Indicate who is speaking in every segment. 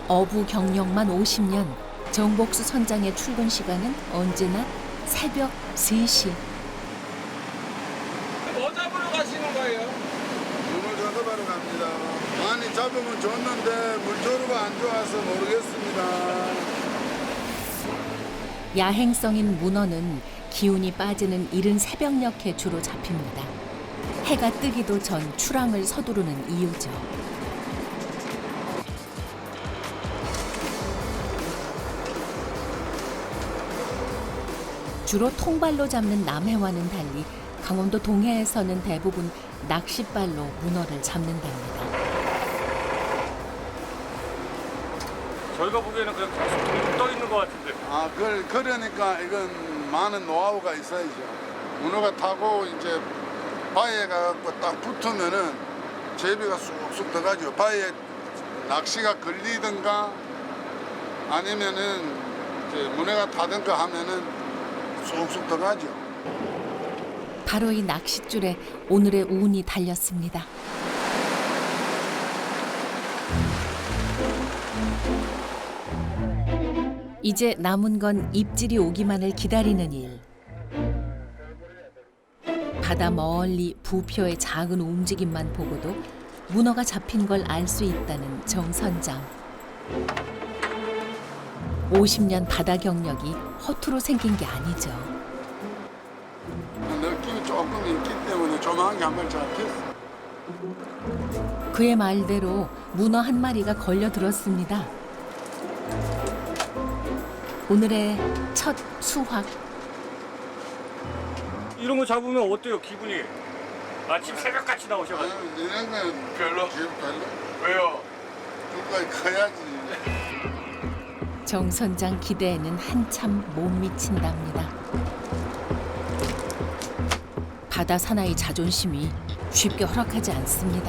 Speaker 1: 어부 경력만 50년, 정복수 선장의 출근 시간은 언제나 새벽 3시.
Speaker 2: 뭐 잡으러 가시는 거예요?
Speaker 3: 문어 작업하러 갑니다. 많이 잡으면 좋는데 물조류가 안 좋아서 모르겠습니다.
Speaker 1: 야행성인 문어는 기운이 빠지는 이른 새벽녘에 주로 잡힙니다. 해가 뜨기도 전 출항을 서두르는 이유죠. 주로 통발로 잡는 남해와는 달리 강원도 동해에서는 대부분 낚싯발로 문어를 잡는답니다.
Speaker 2: 저희가 보기에는 그냥 계속 둥둥 떠 있는 것 같은데.
Speaker 3: 그러니까 이건 많은 노하우가 있어야죠. 문어가 타고 이제 바위에 가갖고 딱 붙으면은 제비가 쑥쑥 들어가죠. 바위에 낚시가 걸리든가 아니면은 이제 문어가 타든가 하면은 쑥쑥 들어가죠.
Speaker 1: 바로 이 낚싯줄에 오늘의 운이 달렸습니다. 이제 남은 건 입질이 오기만을 기다리는 일. 바다 멀리 부표의 작은 움직임만 보고도 문어가 잡힌 걸 알 수 있다는 정 선장. 50년 바다 경력이 허투루 생긴 게 아니죠.
Speaker 3: 느낌이 조금 있기 때문에 조만간 한 마리 잡혔어.
Speaker 1: 그의 말대로 문어 한 마리가 걸려들었습니다. 오늘의 첫 수확.
Speaker 2: 이런 거 잡으면 어때요, 기분이? 아침 새벽같이 나오셔가지고.
Speaker 3: 이런 건 별로. 지금 별로?
Speaker 2: 왜요?
Speaker 3: 끝까지 커야지.
Speaker 1: 정 선장 기대에는 한참 못 미친답니다. 바다 사나이 자존심이 쉽게 허락하지 않습니다.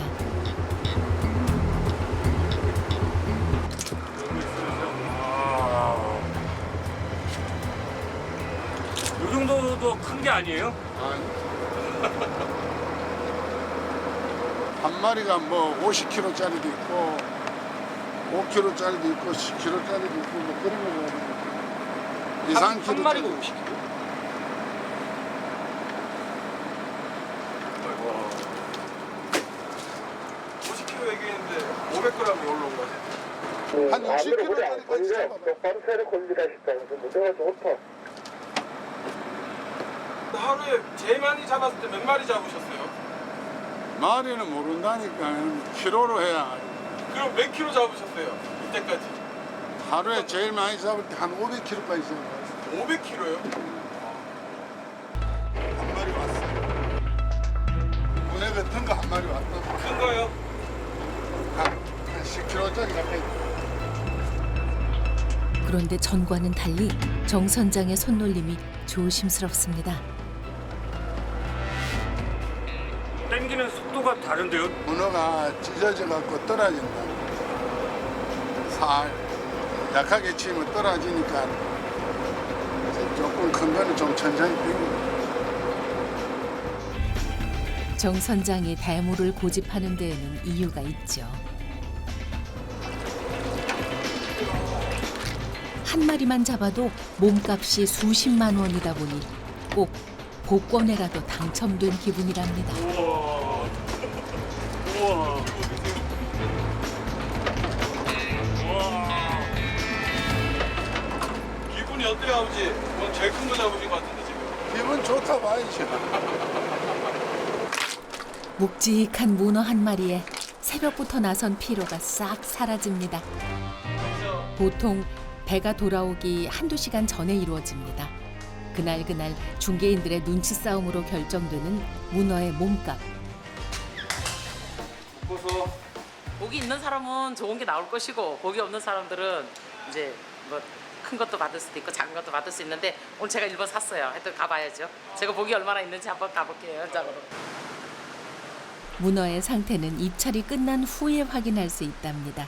Speaker 2: 이 정도도 큰 게 아니에요?
Speaker 3: 아니. 한 마리가 뭐 50kg짜리도 있고 5kg짜리도 있고 10kg짜리도 있고 뭐 그런 거 2, 3kg.
Speaker 2: 한 마리가 50kg? 아이고. 50kg 얘기했는데 500g이 올라온 거지?
Speaker 3: 한 60kg짜리까지 잡아봐.
Speaker 4: 밤새를 걸리다 싶다면서 무대가 좋다.
Speaker 2: 하루에 제일 많이 잡았을 때 몇 마리 잡으셨어요?
Speaker 3: 마리는 모른다니까. 키로로 해야.
Speaker 2: 그럼 몇 킬로 잡으셨어요? 이때까지?
Speaker 3: 하루에 제일 많이 잡을 때 한 500kg까지 잡았어.
Speaker 2: 500킬로요?
Speaker 3: 한 마리 왔어. 문에 같은 거 한 마리 왔다.
Speaker 2: 큰 거요?
Speaker 3: 한 10kg짜리 가까이.
Speaker 1: 그런데 전과는 달리 정 선장의 손놀림이 조심스럽습니다.
Speaker 2: 땡기는 속도가 다른데요?
Speaker 3: 문어가 찢어져 갖고 떨어진다. 살 약하게 치면 떨어지니까 조금 큰 거는 좀 천천히 뛰고.
Speaker 1: 정 선장이 대물을 고집하는 데에는 이유가 있죠. 한 마리만 잡아도 몸값이 수십만 원이다 보니 꼭 복권에라도 당첨된 기분이랍니다.
Speaker 2: 우와. 우와. 우와. 기분이 어때요, 아버지? 오늘 제일 큰 거 잡으신 것 같은데, 지금.
Speaker 3: 기분 좋다 봐야죠.
Speaker 1: 묵직한 문어 한 마리에 새벽부터 나선 피로가 싹 사라집니다. 보통 배가 돌아오기 한두 시간 전에 이루어집니다. 그날 중개인들의 눈치 싸움으로 결정되는 문어의 몸값.
Speaker 2: 보소.
Speaker 5: 복이 있는 사람은 좋은 게 나올 것이고 복이 없는 사람들은 이제 뭐 큰 것도 받을 수도 있고 작은 것도 받을 수 있는데 오늘 제가 1번 샀어요. 하여튼 가봐야죠. 제가 복이 얼마나 있는지 한번 가볼게요. 현장으로.
Speaker 1: 문어의 상태는 입찰이 끝난 후에 확인할 수 있답니다.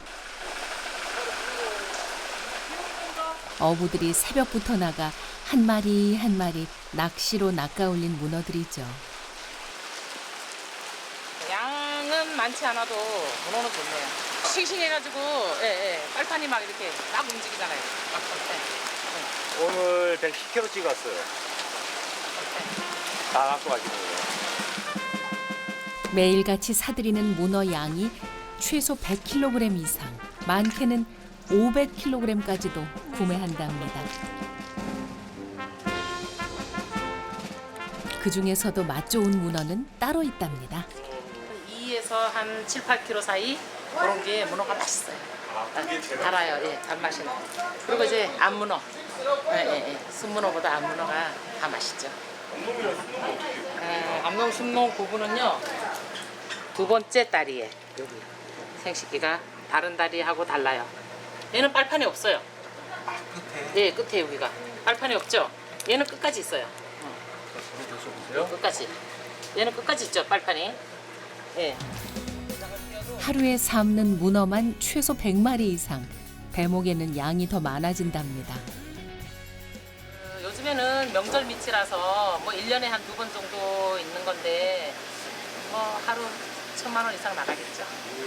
Speaker 1: 어부들이 새벽부터 나가 한 마리 한 마리 낚시로 낚아올린 문어들이죠.
Speaker 5: 양은 많지 않아도 문어는 좋네요. 싱싱해가지고 빨판이 막 이렇게 막 움직이잖아요.
Speaker 2: 오늘 110kg 찍었어요. 다 갖고 가시는 거예요.
Speaker 1: 매일같이 사들이는 문어 양이 최소 100kg 이상, 많게는 500kg까지도 구매한답니다. 그 중에서도 맛 좋은 문어는 따로 있답니다.
Speaker 5: 2에서 한 7, 8kg 사이 그런 게 문어가 맛있어요. 달아요. 예, 단맛이 나요. 그리고 이제 암문어. 순문어보다 암문어가 다 맛있죠. 암농 순농 구분은요. 두 번째 다리에 여기 생식기가 다른 다리하고 달라요. 얘는 빨판이 없어요. 끝에? 예, 끝에 여기가 빨판이 없죠. 얘는 끝까지 있어요. 끝까지. 얘는 끝까지 있죠, 빨판이. 예.
Speaker 1: 하루에 삶는 문어만 최소 100마리 이상, 대목에는 양이 더 많아진답니다.
Speaker 5: 요즘에는 명절 밑이라서 뭐 1년에 한 2번 정도 있는 건데 뭐 하루 1,000만 원 이상 나가겠죠.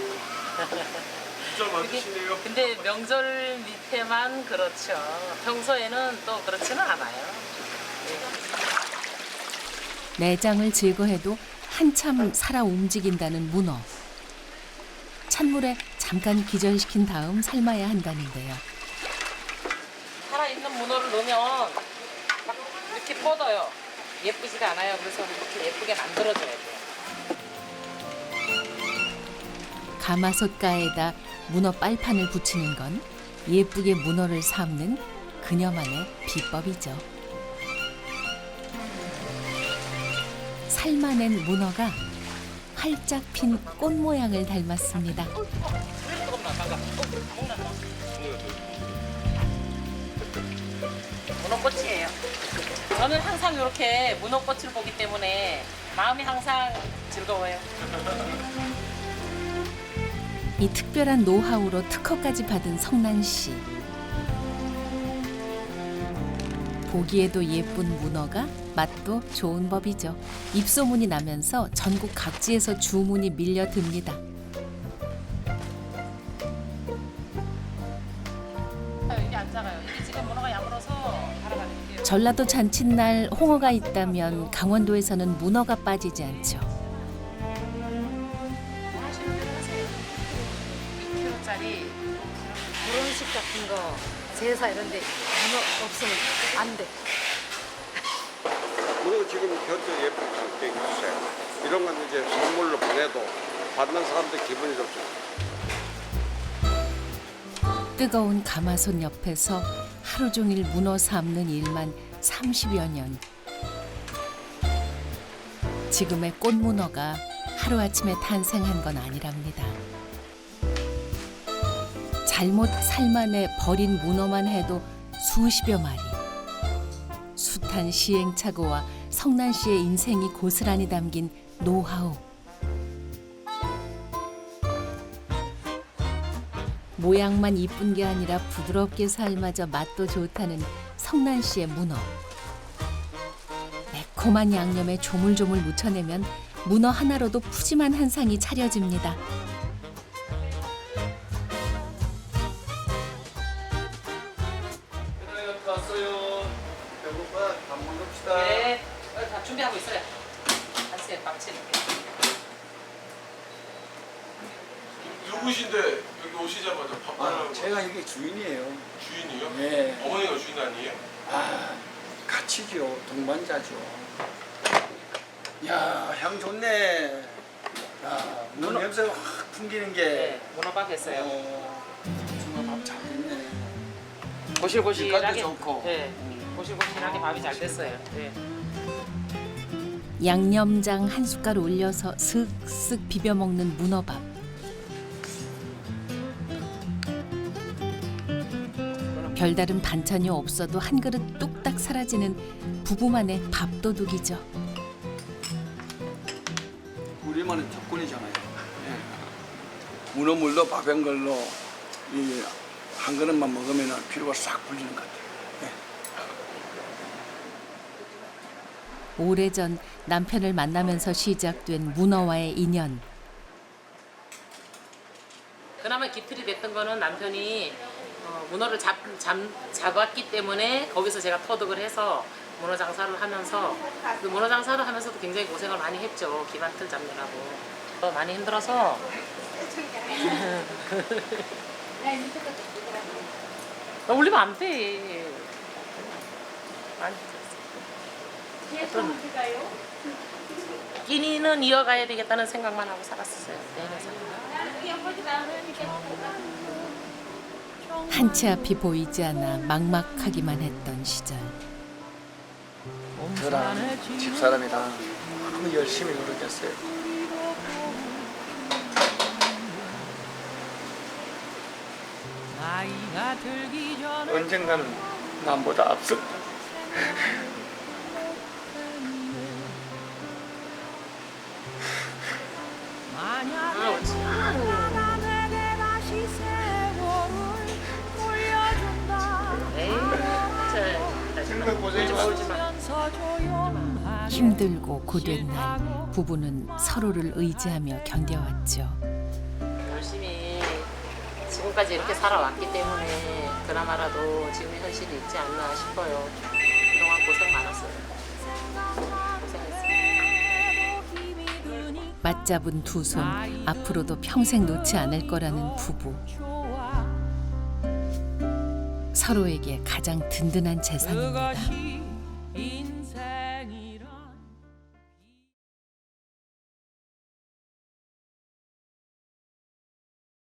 Speaker 2: 진짜 많으시네요.
Speaker 5: 근데 명절 밑에만 그렇죠. 평소에는 또 그렇지는 않아요.
Speaker 1: 내장을 제거해도 한참 살아 움직인다는 문어. 찬물에 잠깐 기절시킨 다음 삶아야 한다는데요.
Speaker 5: 살아있는 문어를 넣으면 막 이렇게 뻗어요. 예쁘지가 않아요. 그래서 이렇게 예쁘게 만들어줘야 돼요.
Speaker 1: 가마솥가에다 문어 빨판을 붙이는 건 예쁘게 문어를 삶는 그녀만의 비법이죠. 삶아낸 문어가 활짝 핀 꽃 모양을 닮았습니다.
Speaker 5: 문어꽃이에요. 저는 항상 이렇게 문어꽃을 보기 때문에 마음이 항상 즐거워요.
Speaker 1: 이 특별한 노하우로 특허까지 받은 성난 씨. 보기에도 예쁜 문어가 맛도 좋은 법이죠. 입소문이 나면서 전국 각지에서 주문이 밀려듭니다.
Speaker 5: 이게 안 작아요. 이게 지금 문어가 야물어서 갈아가는데요.
Speaker 1: 전라도 잔칫날 홍어가 있다면 강원도에서는 문어가 빠지지 않죠.
Speaker 5: 2kg짜리
Speaker 6: 결혼식 같은 거, 제사 이런 데 문어 없으면 안 돼.
Speaker 7: 그리고 지금 현재 예쁜 장땡 주세요. 이런 건 이제 선물로 보내도 받는 사람들 기분이 좋죠.
Speaker 1: 뜨거운 가마솥 옆에서 하루 종일 문어 삶는 일만 30여 년. 지금의 꽃문어가 하루아침에 탄생한 건 아니랍니다. 잘못 삶아내 버린 문어만 해도 수십여 마리. 숱한 시행착오와 성난 씨의 인생이 고스란히 담긴 노하우. 모양만 이쁜 게 아니라 부드럽게 삶아져 맛도 좋다는 성난 씨의 문어. 매콤한 양념에 조물조물 무쳐내면 문어 하나로도 푸짐한 한 상이 차려집니다.
Speaker 7: 왔어요. 배고파. 밥 먹읍시다.
Speaker 5: 네, 다 준비하고 있어요. 한시에 밥 치는 게.
Speaker 8: 누구신데 여기 오시자마자 밥 달라고
Speaker 3: 제가 여기 주인이에요.
Speaker 8: 주인이요?
Speaker 3: 네.
Speaker 8: 어머니가 주인 아니에요?
Speaker 3: 아, 같이죠. 동반자죠. 야, 향 좋네. 야, 문어 냄새가 확 풍기는 게.
Speaker 5: 네, 문어밥 했어요.
Speaker 3: 정말 밥 잘 됐네.
Speaker 5: 고실고실하게.
Speaker 3: 빛깔도 좋고.
Speaker 5: 네, 고실고실하게 밥이 잘 됐어요. 네.
Speaker 1: 양념장 한 숟갈 올려서 슥슥 비벼 먹는 문어밥. 별다른 반찬이 없어도 한 그릇 뚝딱 사라지는 부부만의 밥도둑이죠.
Speaker 3: 우리만의 특권이잖아요. 문어물로 밥 한 걸로 이 한 그릇만 먹으면 피로가 싹 풀리는 것 같아요.
Speaker 1: 오래전 남편을 만나면서 시작된 문어와의 인연.
Speaker 5: 그나마 기틀이 됐던 거는 남편이 문어를 잡았기 때문에 거기서 제가 터득을 해서 문어 장사를 하면서 그 문어 장사를 하면서도 굉장히 고생을 많이 했죠. 기반틀 잡느라고. 많이 힘들어서 올리면 안 돼. 많이 힘들었어. 끼니는 이어가야 되겠다는 생각만 하고 살았었어요.
Speaker 1: 한치 앞이 보이지 않아 막막하기만 했던 시절.
Speaker 9: 저랑 집사람이랑 너무 열심히 노력했어요. 언젠가는 남보다 앞서.
Speaker 1: 힘들고 고된 날 부부는 서로를 의지하며 견뎌왔죠.
Speaker 5: 열심히 지금까지 이렇게 살아왔기 때문에 그나마라도 지금의 현실이 있지 않나 싶어요. 그동안 고생 많았어요. 고생했어요.
Speaker 1: 맞잡은 두 손 앞으로도 평생 놓지 않을 거라는 부부. 서로에게 가장 든든한 재산입니다.